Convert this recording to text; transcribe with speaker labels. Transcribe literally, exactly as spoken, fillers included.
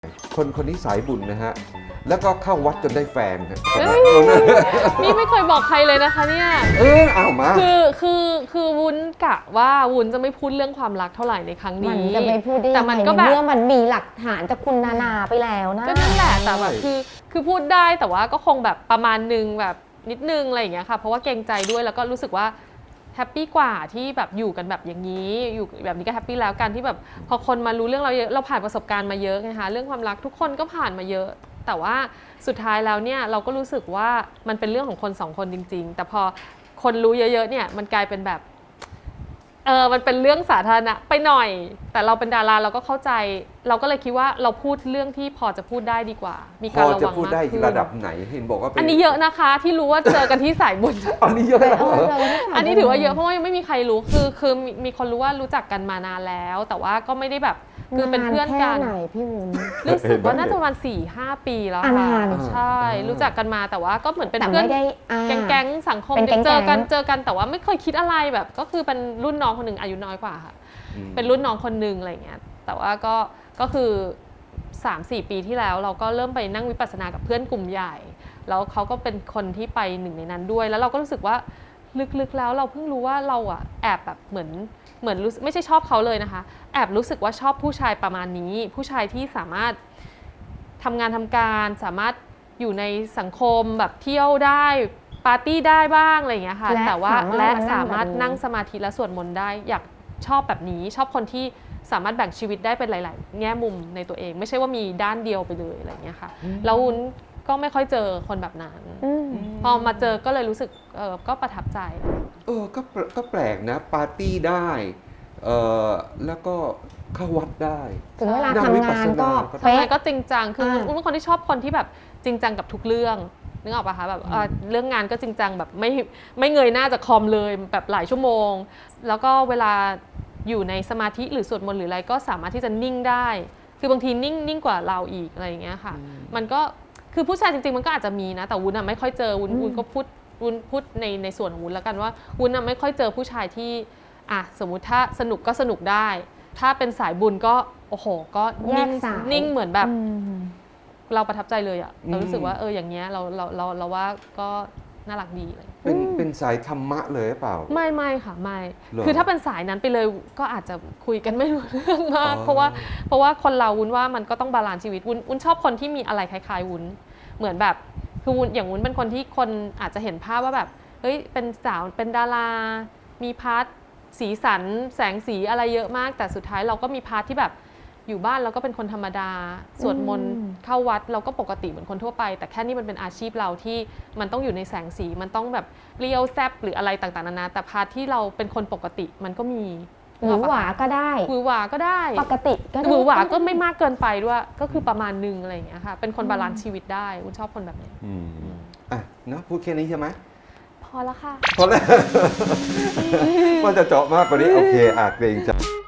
Speaker 1: คนคนนี้สายบุญนะฮะแล้วก็เข้าวัดจนได้แฟนฮะ
Speaker 2: นี่ไม่เคยบอกใครเลยนะคะเนี่ย
Speaker 1: เออเอามา
Speaker 2: คือคือคือวุ้นกะว่าวุ้นจะไม่พูดเรื่องความรักเท่าไหร่ในครั้งนี้
Speaker 3: มันจะไม่พูดได้
Speaker 2: แต่มันก็แบบ
Speaker 3: เมื่อมันมีหลักฐานจากคุณนานาไปแล้วนะ
Speaker 2: ก็นั่นแหละแต่แบบคือคือพูดได้แต่ว่าก็คงแบบประมาณนึงแบบนิดนึงอะไรอย่างเงี้ยค่ะเพราะว่าเกรงใจด้วยแล้วก็รู้สึกว่าแฮปปี้กว่าที่แบบอยู่กันแบบอย่างนี้อยู่แบบนี้ก็แฮปปี้แล้วกันที่แบบพอคนมารู้เรื่องเราเยอะเราผ่านประสบการณ์มาเยอะไงคะเรื่องความรักทุกคนก็ผ่านมาเยอะแต่ว่าสุดท้ายแล้วเนี่ยเราก็รู้สึกว่ามันเป็นเรื่องของคนสองคนจริงๆแต่พอคนรู้เยอะๆเนี่ยมันกลายเป็นแบบเออมันเป็นเรื่องสาธารณะไปหน่อยแต่เราเป็นดาราเราก็เข้าใจเราก็เลยคิดว่าเราพูดเรื่องที่พอจะพูดได้ดีกว่ามีการระวังมากขึ้นพอจะ
Speaker 1: พูดได้ระดับไหนเห็นบอกว่า
Speaker 2: อันนี้เยอะนะคะที่รู้ว่าเจอกันที่สายบุญ
Speaker 1: อันนี้เยอะเหรอ
Speaker 2: อันนี้ถือว่าเยอะเพราะว่ายังไม่มีใครรู้คือคือมีคนรู้ว่ารู้จักกันมานานแล้ว แต่ว่าก็ไม่ได้แบบคือเป็นเพื่อนกัน
Speaker 3: ไหนพี่วุ้น
Speaker 2: รู้สึกว่าน่าจะประมาณสี่ห้าปีแล้วค่ะใช่รู้จักกันมาแต่ว่าก็เหมือนเป็นเพื่อนแก๊งๆสังคมเจอกันเจอกันแต่ว่าไม่เคยคิดอะไรแบบก็คือเป็นรุ่นน้องคนหนึ่งอายุน้อยกว่าค่ะเป็นรุ่นน้องคนหนึ่งอะไรเงี้ยแต่ว่าก็ก็คือ สามสี่ ปีที่แล้วเราก็เริ่มไปนั่งวิปัสสนากับเพื่อนกลุ่มใหญ่แล้วเขาก็เป็นคนที่ไปหนึ่งในนั้นด้วยแล้วเราก็รู้สึกว่าลึกๆแล้วเราเพิ่งรู้ว่าเราอะแอบแบบเหมือนเหมือนรู้ไม่ใช่ชอบเขาเลยนะคะแอบรู้สึกว่าชอบผู้ชายประมาณนี้ผู้ชายที่สามารถทำงานทำการสามารถอยู่ในสังคมแบบเที่ยวได้ปาร์ตี้ได้บ้างอะไรอย่างเงี้ยค่ะแต่ว่าและสามารถนั่งสมาธิและสวดมนต์ได้อยากชอบแบบนี้ชอบคนที่สามารถแบ่งชีวิตได้เป็นหลายๆแง่มุมในตัวเองไม่ใช่ว่ามีด้านเดียวไปเลยอะไรอย่างเงี้ยค่ะแล้ววุ้นก็ไม่ค่อยเจอคนแบบนั้นพอมาเจอก็เลยรู้สึกเออก็ประทับใจ
Speaker 1: เออก็ก็แปลกนะปาร์ตี้ได้เออแล้วก็เข้าวัดได้
Speaker 3: ถึงเวลาทำงานก็
Speaker 2: ทำงานก็จริงจังคือวุ้นเป็นคนที่ชอบคนที่แบบจริงจังกับทุกเรื่องนึกออกปะคะแบบเรื่องงานก็จริงจังแบบไม่ไม่เงยหน้าจากคอมเลยแบบหลายชั่วโมงแล้วก็เวลาอยู่ในสมาธิหรือสวดมนต์หรืออะไรก็สามารถที่จะนิ่งได้คือบางทีนิ่งนิ่งกว่าเราอีกอะไรอย่างเงี้ยค่ะมันก็คือผู้ชายจริงๆมันก็อาจจะมีนะแต่วุ้นอะไม่ค่อยเจอวุ้นวุ้นก็พูดวุ้นพูดในในส่วนของวุ้นแล้วกันว่าวุ้นอะไม่ค่อยเจอผู้ชายที่อ่ะสมมุติถ้าสนุกก็สนุกได้ถ้าเป็นสายบุญก็โอ้โหก็นิ่งนิ่งเหมือนแบบเราประทับใจเลยอะเรารู้สึกว่าเอออย่างเงี้ยเราเราเราเราว่าก็น่ารักดีเลย
Speaker 1: เป็นเป็นสายธรรมะเลยหรือเปล่า
Speaker 2: ไม่ไม่ค่ะไม่คือถ้าเป็นสายนั้นไปเลยก็อาจจะคุยกันไม่รู้เรื่องมากเพราะว่าเพราะว่าคนเราวุ้นว่ามันก็ต้องบาลานซ์ชีวิตวุ้นวุ้นชอบคนที่มีอะไรคล้ายๆวุ้นเหมือนแบบคือวุ้นอย่างวุ้นเป็นคนที่คนอาจจะเห็นภาพว่าแบบเฮ้ยเป็นสาวเป็นดารามีพาร์ทสีสันแสงสีอะไรเยอะมากแต่สุดท้ายเราก็มีพาร์ทที่แบบอยู่บ้านเราก็เป็นคนธรรมดาสวดมนต์เข้าวัดเราก็ปกติเหมือนคนทั่วไปแต่แค่นี่มันเป็นอาชีพเราที่มันต้องอยู่ในแสงสีมันต้องแบบเรียวแซบหรืออะไรต่างๆนานาแต่พาร์ทที่เราเป็นคนปกติมันก็มี
Speaker 3: หวือหวาก็ได้
Speaker 2: หวือหวาก็ได้
Speaker 3: ปกติก็
Speaker 2: หวือหวาก็ไม่มากเกินไปด้วยก็คือประมาณนึงอะไรอย่างเงี้ยค่ะเป็นคนบาลานซ์ชีวิตได้วุ้นชอบคนแบบนี้
Speaker 1: อืมอ่ะเนาะพูดแค่นี้ใช่ไหม
Speaker 2: พอแล้วค่ะ
Speaker 1: พอแล้วว่าจะเจาะมากกว่านี้โอเคอ่ะเกรงใจ